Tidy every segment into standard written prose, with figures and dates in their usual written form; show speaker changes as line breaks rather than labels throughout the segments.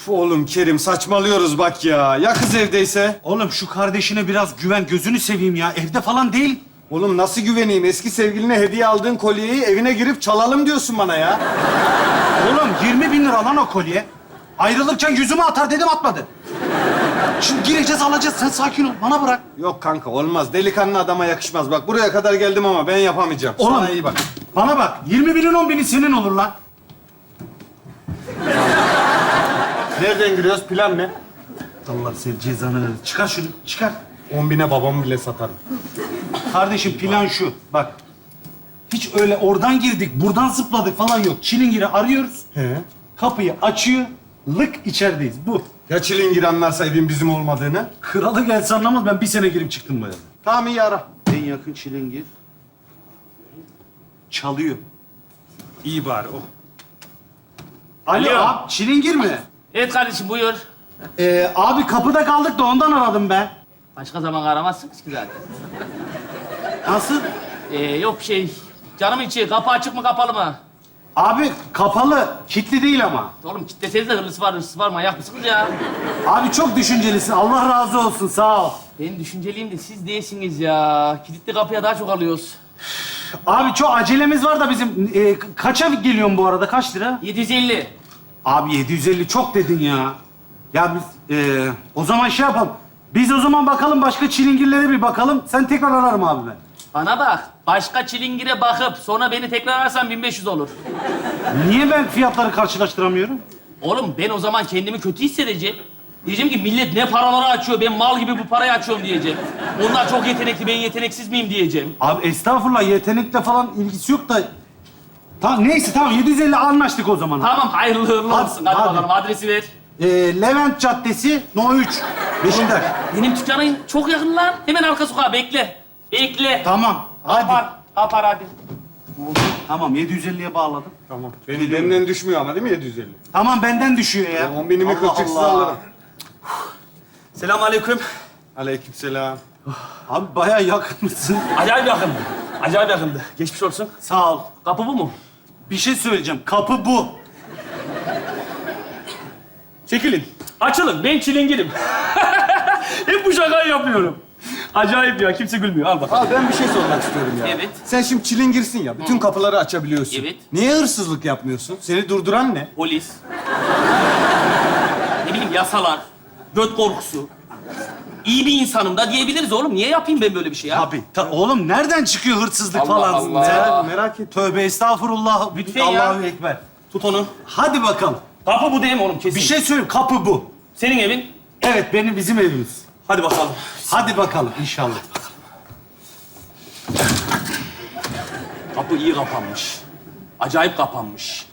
Oğlum Kerim saçmalıyoruz bak ya. Ya kız evdeyse?
Oğlum şu kardeşine biraz güven, gözünü seveyim ya. Evde falan değil.
Oğlum nasıl güveneyim? Eski sevgiline hediye aldığın kolyeyi evine girip çalalım diyorsun bana ya.
Oğlum 20 bin lira lan o kolye. Ayrılırken yüzüme atar dedim, atmadı. Şimdi gireceğiz, alacağız. Sen sakin ol, bana bırak.
Yok kanka olmaz. Delikanlı adama yakışmaz. Bak buraya kadar geldim ama ben yapamayacağım.
Oğlum
Sana iyi bak.
bana bak. 20 binin 10 bini senin olur lan.
Nereden giriyoruz? Plan ne?
Allah senin cezanı versin. Çıkar şunu, çıkar.
10.000'e babamı bile satarım.
Kardeşim plan şu, bak. Hiç öyle oradan girdik, buradan zıpladık falan yok. Çilingiri arıyoruz.
He.
Kapıyı açıyor, lık içerideyiz. Bu.
Ya çilingir anlarsa evin bizim olmadığını?
Kralı gelse anlamaz, ben bir sene girip çıktım böyle.
Tamam iyi ara.
En yakın çilingir. Çalıyor. İyi bari o. Alo,
Alo.
abi çilingir mi?
Evet kardeşim buyur.
Abi kapıda kaldık da ondan aradım ben.
Başka zaman aramazsınız ki zaten.
Nasıl?
Yok bir şey. Canım içi kapı açık mı kapalı mı?
Abi kapalı, kilitli değil ama.
Oğlum kitleseniz de hırsız var manyak mısınız ya?
Abi çok düşüncelisin, Allah razı olsun, sağ ol.
Ben düşünceliyim de siz değilsiniz ya. Kilitli kapıya daha çok alıyoruz.
Abi çok acelemiz var da bizim. Kaça geliyorsun bu arada, kaç lira?
750.
Abi 750 çok dedin ya. Ya biz o zaman şey yapalım. Biz o zaman bakalım, başka çilingirlere bir bakalım. Sen tekrar ararım abi ben.
Bana bak. Başka çilingire bakıp sonra beni tekrar ararsan 1500 olur.
Niye ben fiyatları karşılaştıramıyorum?
Oğlum ben o zaman kendimi kötü hissedeceğim. Diyeceğim ki millet ne paraları açıyor, ben mal gibi bu parayı açıyorum diyeceğim. Onlar çok yetenekli, ben yeteneksiz miyim diyeceğim.
Abi estağfurullah, yetenekle falan ilgisi yok da... Tamam, neyse tamam, 750 anlaştık o zaman.
Tamam hayırlı uğurlu
Hadi,
olsun. Hadi
hadi.
bakalım adresi ver.
Levent Caddesi, No 3. Beşiktaş.
Benim dükkanım çok yakın lan. Hemen arka sokağa bekle. Bekle.
Tamam, hadi.
Kapar hadi.
Tamam, 750'ye bağladım.
Tamam. Benden düşmüyor ama değil mi 750?
Tamam, benden düşüyor ya.
10.000'imi
Allah
kılçıksız
Allah.
alırım.
Selamünaleyküm.
Aleykümselam.
Abi bayağı yakınmışsın.
Acayip yakındı. Acayip yakındı. Geçmiş olsun.
Sağ ol.
Kapı bu mu?
Bir şey söyleyeceğim. Kapı bu.
Çekilin. Açılın. Ben çilingirim. Hep bu şakayı yapıyorum. Acayip ya. Kimse gülmüyor. Al bakalım.
Abi ben bir şey sormak istiyorum ya.
Evet.
Sen şimdi çilingirsin ya. Bütün kapıları açabiliyorsun.
Evet.
Niye hırsızlık yapmıyorsun? Seni durduran ne?
Polis. Ne bileyim yasalar. Göt korkusu. İyi bir insanım da diyebiliriz oğlum. Niye yapayım ben böyle bir şey ya?
Abi oğlum nereden çıkıyor hırsızlık
Allah
falan?
Allah.
Ya,
Merak et.
tövbe estağfurullah.
Lütfen ya.
Allahu ekber.
Tut onu.
Hadi bakalım.
Kapı bu değil mi oğlum? Kesin.
Bir şey söyleyeyim. Kapı bu.
Senin evin.
Evet, bizim evimiz.
Hadi bakalım.
Hadi bakalım inşallah.
Kapı iyi kapanmış. Acayip kapanmış.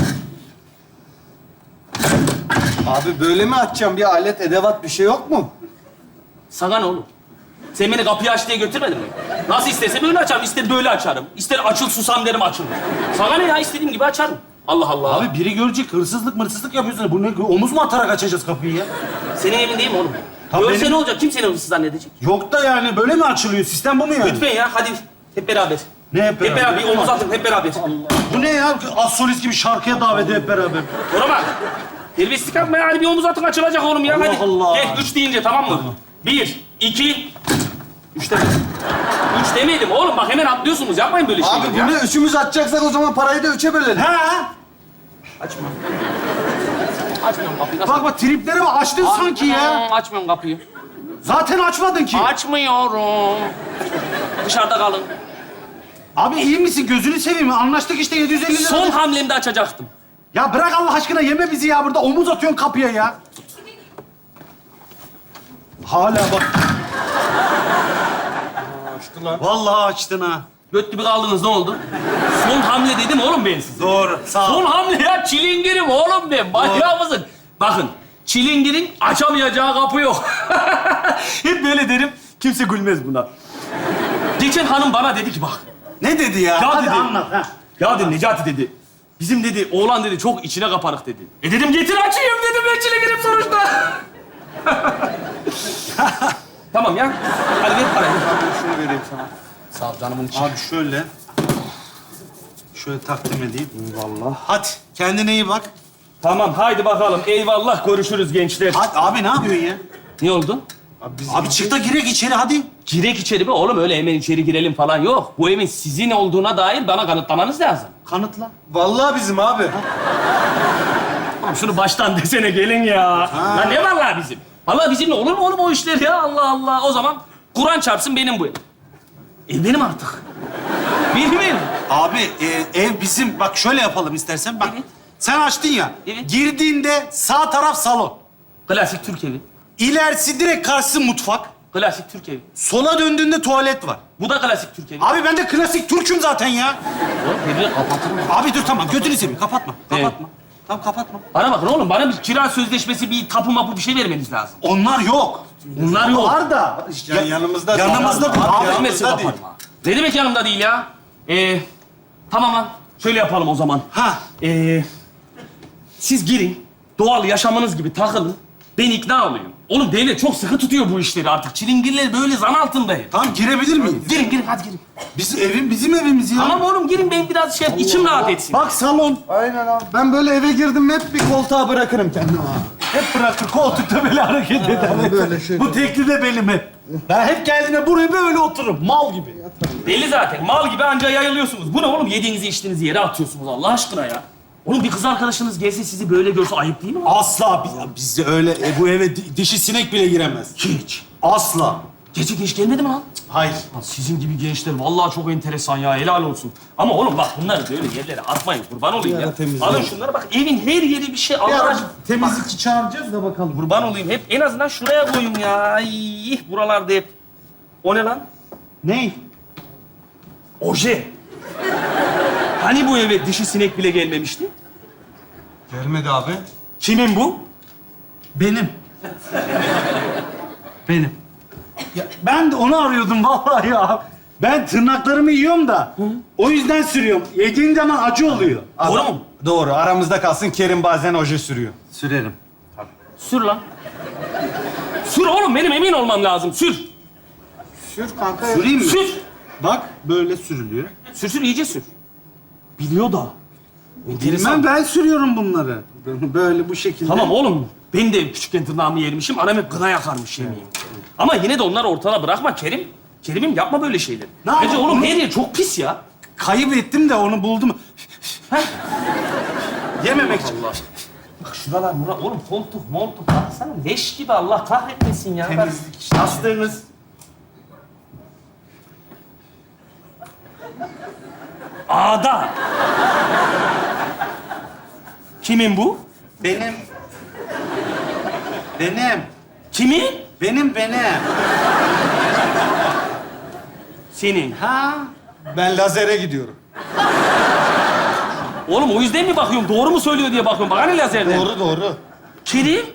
Abi böyle mi açacağım? Bir alet, edevat bir şey yok mu?
Sana ne oğlum? Sen beni kapıyı aç diye götürmedin mi? Nasıl istersen öyle açarım. İster böyle açarım. İster açıl susam derim açılır. Sana ne ya? İstediğim gibi açarım. Allah Allah.
Abi biri görecek, hırsızlık yapıyorsun. Bu ne? Omuz mu atarak açacağız kapıyı ya?
Senin evin değil mi oğlum?
Tabii
Görse
benim.
ne olacak? Kim seni hırsız zannedecek?
Yok da yani böyle mi açılıyor? Sistem bu mu yani?
Lütfen ya hadi hep beraber.
Ne hep beraber?
Hep beraber bir omuz atın hep beraber.
Bu ne ya? Az solist gibi şarkıya davet hep beraber.
Ona bak. Terbiyesizlik yapma ya. Hadi bir omuz atın açılacak oğlum ya.
Allah
hadi.
Allah.
Gel 3 deyince tamam mı? 1, 2, 3 demedim. 3 demedim oğlum bak hemen atlıyorsunuz. Yapmayın böyle şeyler
Abi
ya.
bunu üçümüz açacaksak o zaman parayı da üçe bölelim.
Ha?
Açma. Açmıyorum kapıyı. Nasıl?
Bak triplere bak, açtın sanki ya.
Açmıyorum kapıyı.
Zaten açmadın ki.
Açmıyorum. Dışarıda kalın.
Abi iyi misin? Gözünü seveyim. Anlaştık işte 750 lira.
Son hamlemde açacaktım.
Ya bırak Allah aşkına, yeme bizi ya. Burada omuz atıyorsun kapıya ya. Hala bak.
Açtı lan.
Vallahi açtın ha.
Göt gibi kaldınız ne oldu? Son hamle dedim oğlum ben size.
Doğru. Sağ ol.
Son hamle ya çilingirim oğlum ben. Manyak mısın? Bakın çilingirin açamayacağı kapı yok.
Hep böyle derim. Kimse gülmez buna.
Geçen hanım bana dedi ki bak.
Ne dedi ya?
Ya
Hadi
dedi.
anlat ha.
Ya dedi Necati dedi. Bizim dedi oğlan dedi çok içine kapanık dedi. Dedim getir açayım dedim ben çilingirim sonuçta. Tamam ya. Hadi ver parayı.
Şunu vereyim sana.
Sağ ol canımın içi.
Abi şöyle takdim edeyim. Vallahi. Hadi kendine iyi bak.
Tamam, haydi bakalım. Eyvallah, görüşürüz gençler.
Hadi abi ne yapıyorsun ya?
Ne oldu?
Abi çık da girek içeri hadi.
Girek içeri mi? Oğlum öyle hemen içeri girelim falan yok. Bu evin sizin olduğuna dair bana kanıtlamanız lazım.
Kanıtla.
Vallahi bizim abi.
Oğlum şunu baştan desene gelin ya. Lan ne vallahi bizim? Vallahi bizimle olur mu oğlum o işler ya? Allah Allah. O zaman Kur'an çarpsın benim bu ev. Ev benim artık. Benim ev.
Abi ev bizim. Bak şöyle yapalım istersen. Bak
Evet.
sen açtın ya.
Evet.
Girdiğinde sağ taraf salon.
Klasik Türk evi.
İlerisi direkt karşısı mutfak.
Klasik Türk evi.
Sola döndüğünde tuvalet var.
Bu da klasik Türk evi.
Abi ben de klasik Türk'üm zaten ya.
Oğlum evi kapatır mı?
Abi dur tamam götünü seveyim. Kapatma.
Evet.
Kapatma. Tamam kapatma.
Bana bakın oğlum, bana bir kira sözleşmesi, bir tapu mapu bir şey vermeniz lazım.
Onlar yok.
Bunlar yok.
Var da.
Yanımızda.
Yanımızda değil.
Abi,
Abi
yanımızda
yanımda
değil.
Ne demek yanımda değil ya? Tamam lan. Şöyle yapalım o zaman.
Ha.
Siz girin, doğal yaşamınız gibi takılın. Ben ikna olayım. Oğlum devlet çok sıkı tutuyor bu işleri artık. Çilingirler böyle zan altında hep.
Tamam girebilir miyim?
Girin, girin, hadi girin.
Bizim evimiz ya.
Tamam oğlum girin, ben biraz içim rahat etsin.
Bak salon.
Aynen abi. Ben böyle eve girdim hep bir koltuğa bırakırım kendimi abi.
Hep bırakır koltukta böyle hareket eder.
böyle şey.
Bu tekli de benim hep. Ben hep geldiğimde buraya böyle otururum. Mal gibi.
Belli zaten. Mal gibi anca yayılıyorsunuz. Bu ne oğlum? Yediğinizi içtiğinizi yere atıyorsunuz Allah aşkına ya. Oğlum bir kız arkadaşınız gelse sizi böyle görse ayıp değil mi?
Asla bizde öyle bu eve dişi sinek bile giremez.
Hiç.
Asla.
Gece geç gelmedi mi lan?
Hayır.
Lan sizin gibi gençler vallahi çok enteresan ya. Helal olsun. Ama oğlum bak bunları böyle yerlere atmayın. Kurban olayım ya. Alın şunları bak. Evin her yeri bir şey. Allah aşkına.
Temizlikçi çağıracağız da bakalım.
Kurban olayım. Hep en azından şuraya koyun ya. Ay, buralarda hep. O ne lan?
Ney?
Oje. Hani bu eve dişi sinek bile gelmemişti?
Gelmedi abi.
Kimin bu?
Benim. Benim. Ya, ben de onu arıyordum vallahi ya. Ben tırnaklarımı yiyorum da o yüzden sürüyorum. Yediğin zaman acı oluyor.
Doğru mu?
Doğru. Aramızda kalsın. Kerim bazen oje sürüyor.
Sürerim.
Sür lan. Sür oğlum, benim emin olmam lazım. Sür.
Sür kanka.
Süreyim mi?
Sür.
Bak böyle sürülüyor.
Sür, iyice sür. Biliyor da. Enteresan.
Bilmem ben sürüyorum bunları. Böyle bu şekilde.
Tamam oğlum. Ben de küçükken tırnağımı yermişim. Anam hep gına yakarmış yemeğim. Ama yine de onları ortada bırakma Kerim. Kerim'im yapma böyle şeyler.
Ne
Bence
yapayım?
oğlum her yer çok pis ya.
Kayıp ettim de onu buldum. Yememek için.
Allah. Bak şuralar Murat. Oğlum koltuk, moltuk. Baksana leş gibi Allah kahretmesin ya.
Temizlik işte.
Yastığınız. Ağda. Kimin bu?
Benim. Benim.
Kimin?
Benim.
Senin.
Ha?
Ben lazere gidiyorum.
Oğlum o yüzden mi bakıyorum? Doğru mu söylüyor diye bakıyorum. Bak hani lazerden.
Doğru.
Kerim?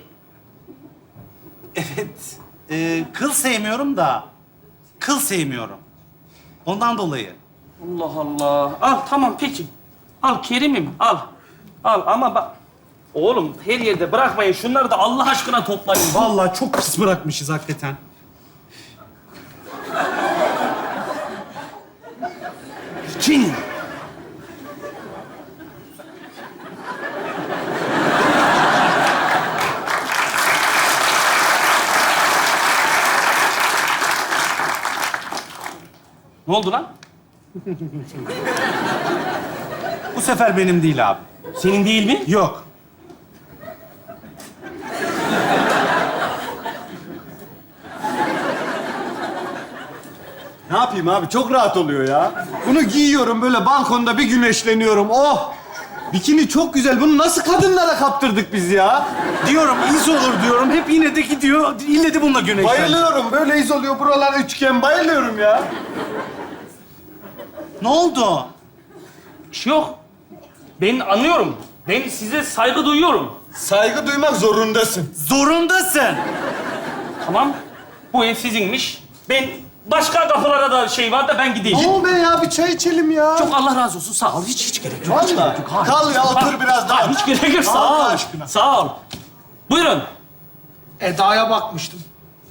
Evet. Kıl sevmiyorum da. Kıl sevmiyorum. Ondan dolayı.
Allah Allah. Al tamam peki. Al Kerim'im al. Al ama bak. Oğlum her yerde bırakmayın. Şunları da Allah aşkına toplayın.
Vallahi çok pis bırakmışız hakikaten.
Çin. Ne oldu lan?
Bu sefer benim değil abi.
Senin değil mi?
Yok.
Ne yapayım abi? Çok rahat oluyor ya. Bunu giyiyorum böyle balkonda bir güneşleniyorum. Oh! Bikini çok güzel. Bunu nasıl kadınlara kaptırdık biz ya?
Diyorum iz olur diyorum. Hep yine de gidiyor. İlle de bununla güneşlen.
Bayılıyorum. Böyle iz oluyor. Buralar üçgen. Bayılıyorum ya.
Ne oldu?
Bir şey yok. Ben anlıyorum. Ben size saygı duyuyorum.
Saygı duymak zorundasın.
Zorundasın.
Tamam. Bu ev sizinmiş. Ben başka kapılara da şey var da ben gideyim.
Ne be ya? Bir çay içelim ya.
Çok Allah razı olsun. Sağ ol. Hiç gerek yok. Hiç
Vallahi.
gerek yok. Hayır.
Kal ya, otur biraz daha.
Hayır, hiç gerek yok. Sağ
Allah
ol.
aşkına.
Sağ ol. Buyurun.
Eda'ya bakmıştım.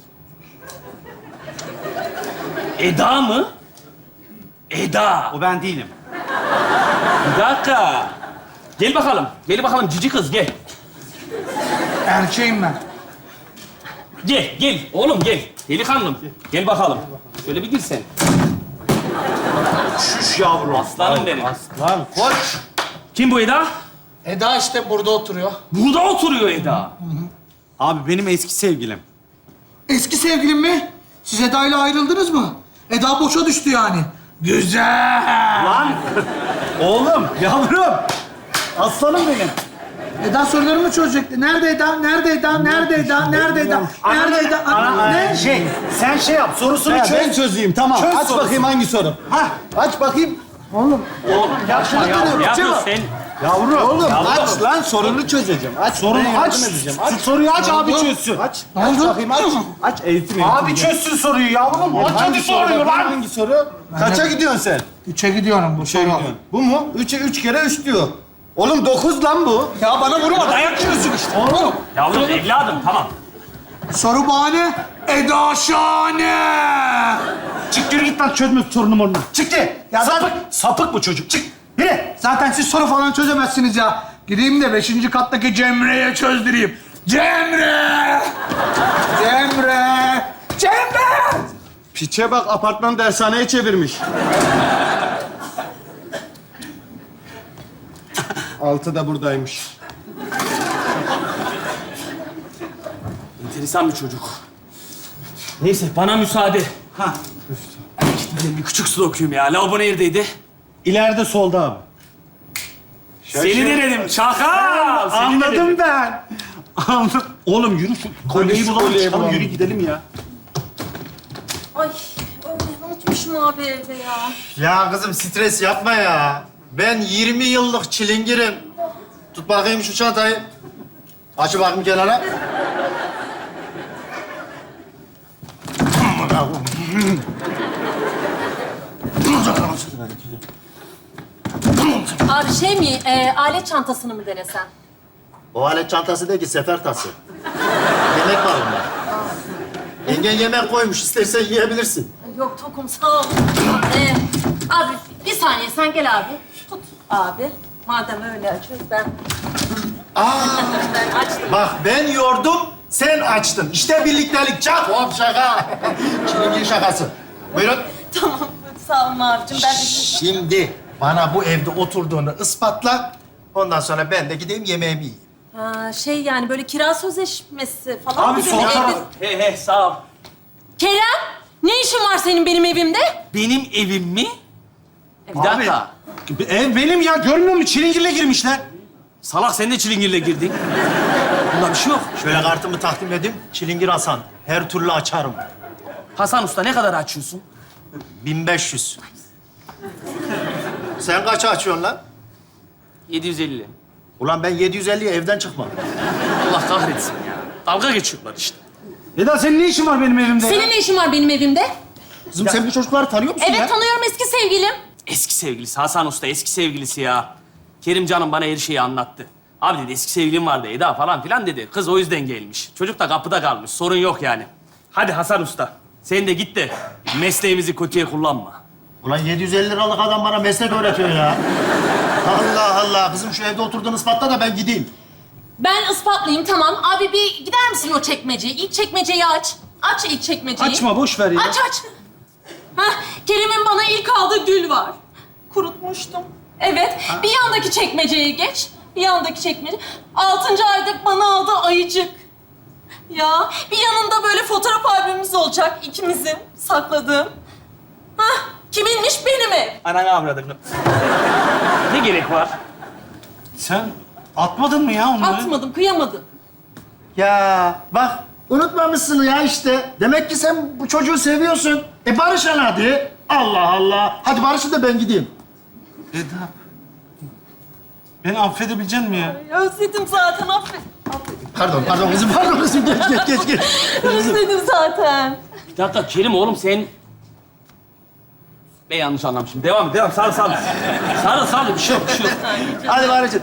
Eda mı? Eda.
O ben değilim.
Bir dakika. Gel bakalım. Gel bakalım cici kız gel.
Erkeğim ben.
Gel, gel. Oğlum gel. Delikanlım. Gel bakalım. Şöyle bir gir sen.
Şuş yavrum.
Aslanım benim.
Lan koç.
Kim bu Eda?
Eda işte burada oturuyor.
Burada oturuyor Eda.
Abi benim eski sevgilim.
Eski sevgilim mi? Siz Eda ile ayrıldınız mı? Eda boşa düştü yani. Güzel.
Lan. Oğlum, yavrum. Aslanım benim.
Eda sorularımı çözecekti. Nerede Eda? Nerede Eda? Nerede Eda? Nerede Eda? Nerede Eda? Ne?
Sen şey yap, sorusunu
Ya
çöz.
ben çözeyim tamam.
Çöz
Aç
sorusu.
bakayım hangi soru.
Hah.
Aç bakayım.
Oğlum yapma ya.
dönüyorum,
Ne yapıyorsun
Cema.
sen?
Yavrum.
Oğlum aç lan sorunu çözeceğim. Aç.
Sorunu
ben
aç.
yardım edeceğim.
Şu soruyu aç, abi çözsün.
Aç.
Ne
Aç
oldu?
bakayım aç. Aç eğitim.
Abi çözsün soruyu yavrum. Aç hadi soruyu lan.
Hangi soru? Kaça gidiyorsun sen?
3'e gidiyorum bu soru.
Bu mu? 3'e 3 kere 3 diyor. Oğlum 9 lan bu.
Ya bana vurma dayak yiyorsun işte. Oğlum.
Yavrum evladım tamam.
Soru bahane. Eda şahane.
Çık yürü git lan çözme sorunu morunu. Çık git. Ya sapık bu çocuk. Çık. Yürü.
Zaten siz soru falan çözemezsiniz ya. Gideyim de 5. kattaki Cemre'ye çözdüreyim. Cemre! Cemre! Cemre!
Piçe bak apartman dershaneye çevirmiş. 6 da buradaymış.
Enteresan bir çocuk. Neyse bana müsaade.
Ha.
Gitmeden bir küçük su okuyayım ya. Lavabo neredeydi?
İleride solda abi.
Seni denedim çakal. Seni
Anladım
denedim.
ben. Anladım. Oğlum yürü şu kolyeyi
şu
bulalım.
kolyeyi
Çıkalım,
bulalım.
yürü gidelim ya.
Ay öyle unutmuşum abi evde ya.
Ya kızım stres yapma ya. Ben 20 yıllık çilingirim. Tut bakayım şu çantayı. Aç bakayım kenara.
Abi şey mi, alet çantasını mı denesen?
O alet çantası değil ki sefer tası. Yemek var onda. Yengen yemek koymuş. İstersen yiyebilirsin.
Yok tokum sağ ol. Abi bir saniye sen gel abi. Tut abi. Madem öyle açıyoruz ben... ben açtım.
Bak ben yordum, sen açtın. İşte birliktelik. Çak hop şaka. Çilingir şakası. Buyurun.
Tamam sağ olun abicim ben...
Şimdi bana bu evde oturduğunu ispatla. Ondan sonra ben de gideyim yemeğimi yiyeyim.
Ha, şey yani böyle kira sözleşmesi falan
Abi
gibi
sol
mi?
taraf.
He sağ ol.
Kerem ne işin var senin benim evimde?
Benim evim mi? Bir dakika.
Ev benim ya. Görmüyor musun? Çilingirle girmişler.
Salak sen de çilingirle girdin. Bunda bir şey yok.
Şöyle kartımı takdim edeyim. Çilingir Hasan. Her türlü açarım.
Hasan Usta ne kadar açıyorsun?
1500. Sen kaça açıyorsun lan?
750.
Ulan ben 750'ye evden çıkmam.
Allah kahretsin ya. Dalga geçiyorlar işte.
Eda senin ne işin var benim evimde ya?
Senin ne işin var benim evimde?
Kızım sen bu çocukları tanıyor musun
Evet
ya?
tanıyorum eski sevgilim.
Eski sevgilisi Hasan Usta eski sevgilisi ya. Kerim canım bana her şeyi anlattı. Abi dedi eski sevgilim vardı Eda falan filan dedi. Kız o yüzden gelmiş. Çocuk da kapıda kalmış. Sorun yok yani. Hadi Hasan Usta. Sen de git de mesleğimizi kötüye kullanma.
Ulan 750 liralık adam bana meslek öğretiyor ya. Allah Allah. Kızım şu evde oturduğunu ispatla da ben gideyim.
Ben ispatlayayım tamam. Abi bir gider misin o çekmeceyi? İlk çekmeceyi aç. Aç ilk çekmeceyi.
Açma, boş ver ya.
Aç. Hah, Kerim'in bana ilk aldığı gül var. Kurutmuştum. Evet, bir yandaki çekmeceye geç. Bir yandaki çekmece. 6. ayda bana aldığı ayıcık. Ya, bir yanında böyle fotoğraf albümümüz olacak ikimizin sakladığım. Hah, kiminmiş benim ev.
Ananı avradını. Ne gerek var?
Sen atmadın mı ya onları?
Atmadım, kıyamadım.
Ya bak unutmamışsın ya işte. Demek ki sen bu çocuğu seviyorsun. Barışın hadi. Allah Allah. Hadi barışın da ben gideyim.
Eda. Beni affedebilecek misin ya?
Özledim zaten, affet.
Pardon kızım. Geç.
Özledim zaten.
Bir dakika Kerim oğlum sen... Ben yanlış anlamışım. Devam et. Sarı. Sarı. Bir şey yok.
Hadi barışın.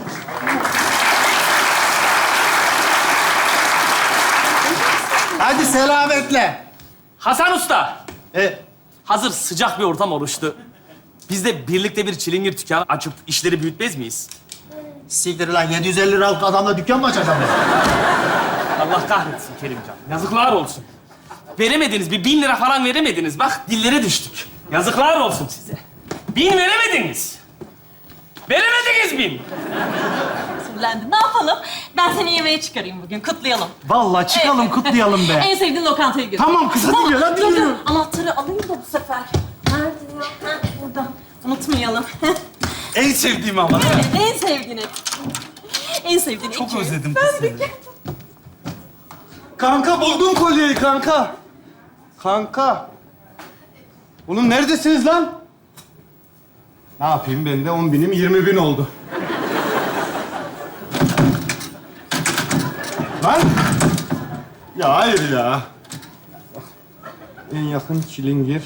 Hadi selametle.
Hasan Usta.
E,
Hazır sıcak bir ortam oluştu. Biz de birlikte bir çilingir dükkanı açıp işleri büyütmez miyiz?
Siktir lan 750 liralık adamla dükkan mı açacağım ben?
Allah kahretsin Kerimcan. Yazıklar olsun. Veremediniz, bir 1000 lira falan veremediniz. Bak dillere düştük. Yazıklar olsun size. 1000 veremediniz. Veremediniz 1000.
Sinirlendim. Ne yapalım? Ben seni yemeğe çıkarayım bugün. Kutlayalım.
Vallahi çıkalım,
Evet.
kutlayalım be.
En sevdiğin lokantaya götür.
Tamam kız, hadi gel, hadi
dur,
yürü.
dur. Anahtarı alayım da bu sefer. Nerede ya? Ha, burada. Unutmayalım.
En sevdiğim ama.
Evet, en sevdiğini. En sevdiğini.
Çok
iki.
özledim kız seni.
Kanka buldum kolyeyi kanka. Kanka. Oğlum neredesiniz lan? Ne yapayım ben de 10.000'im 20.000 oldu. Lan! Ya hayır ya. En yakın çilingir.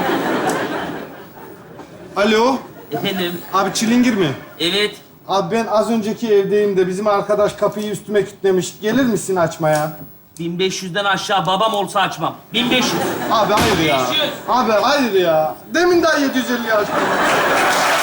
Alo.
Efendim,
Abi çilingir mi?
evet.
Abi ben az önceki evdeyim de bizim arkadaş kapıyı üstüme kilitlemiş. Gelir misin açmaya?
1500'den aşağı babam olsa açmam. 1500.
Abi hayır ya.
500.
Abi hayır ya. Demin daha 750 açtım.